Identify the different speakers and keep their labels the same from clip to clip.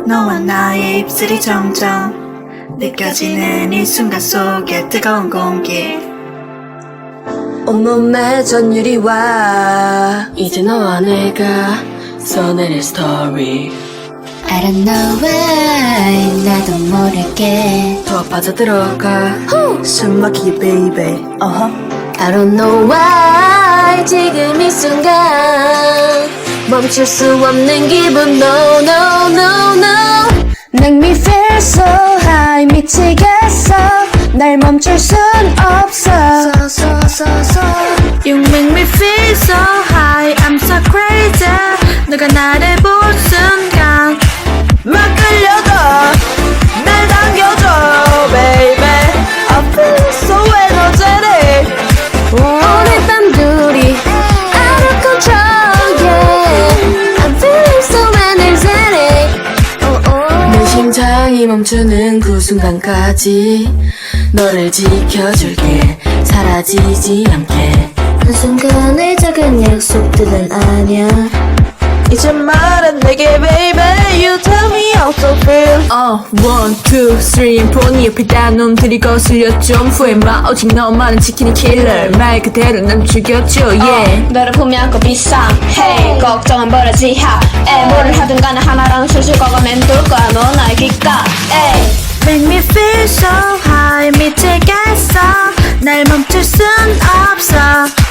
Speaker 1: 너와 나의 입술이 점점 느껴지는 이 순간 속에 뜨거운 공기
Speaker 2: 온몸에 전율이 와 이제 너와 내가 써내릴 스토리
Speaker 3: I don't know why 나도 모르게
Speaker 2: 더 빠져들어가
Speaker 1: 숨막히게 baby
Speaker 2: I don't know why 지금 이 순간 멈출 수 없는 기분 No no no no
Speaker 3: Make me feel so high 미치겠어 날 멈출 순 없어
Speaker 1: You make me feel so high I'm so crazy 너가 나를 본 순간 막 끌려가 날 당겨줘 baby I feel so energetic
Speaker 2: 오늘 밤 둘이 out of control yeah I'm feeling so energetic 내 심장이 멈추는 그 순간까지 너를 지켜줄게 사라지지 않게 그 순간의 작은 약속들은 아냐
Speaker 1: 이제 말해 내게 baby You tell me how to feel
Speaker 2: 1, 2, 3, 4 네 옆에 딴 놈들이 거슬려 좀 후회마 오직 너만은 지키는 킬러 말 그대로 난 죽였죠 yeah
Speaker 4: 너를 보면 꼭 비상해 걱정은 버려지 해 뭐를 하든 간에 하나랑 술술 거가 맴돌 거야 너 나의 귓가에
Speaker 1: Make me feel so high 미치겠어 날 멈출 순 없어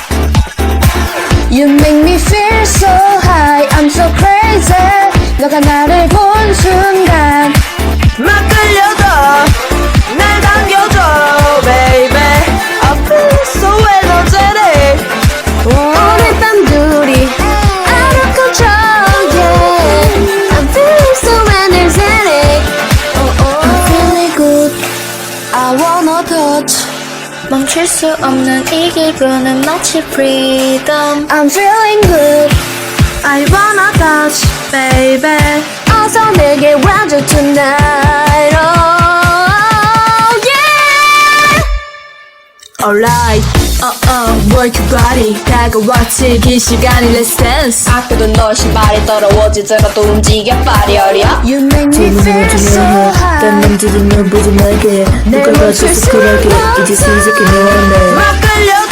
Speaker 3: You make me feel so high I'm so crazy 너가 나를 본 순간
Speaker 1: 막 끌려가 날 당겨줘 baby I feel so energetic
Speaker 2: 오늘 밤 둘이 out of control yeah I'm feeling so energetic I'm feeling good I wanna touch
Speaker 4: 멈출 수 없는 이 기분은 마치 freedom
Speaker 3: I'm feeling good
Speaker 1: I wanna touch baby
Speaker 2: 어서 내게 와줘 tonight oh yeah Alright work your body 다가와 즐길 시간이 let's dance
Speaker 4: 아껴둔 너 신발이 더러워지더라도 움직여버려려
Speaker 3: You make me feel so high
Speaker 2: 딴 남자들 널 보지 말게 누가 봐줘서 그러게 이제 시작해 너와 나
Speaker 1: 막 끌려가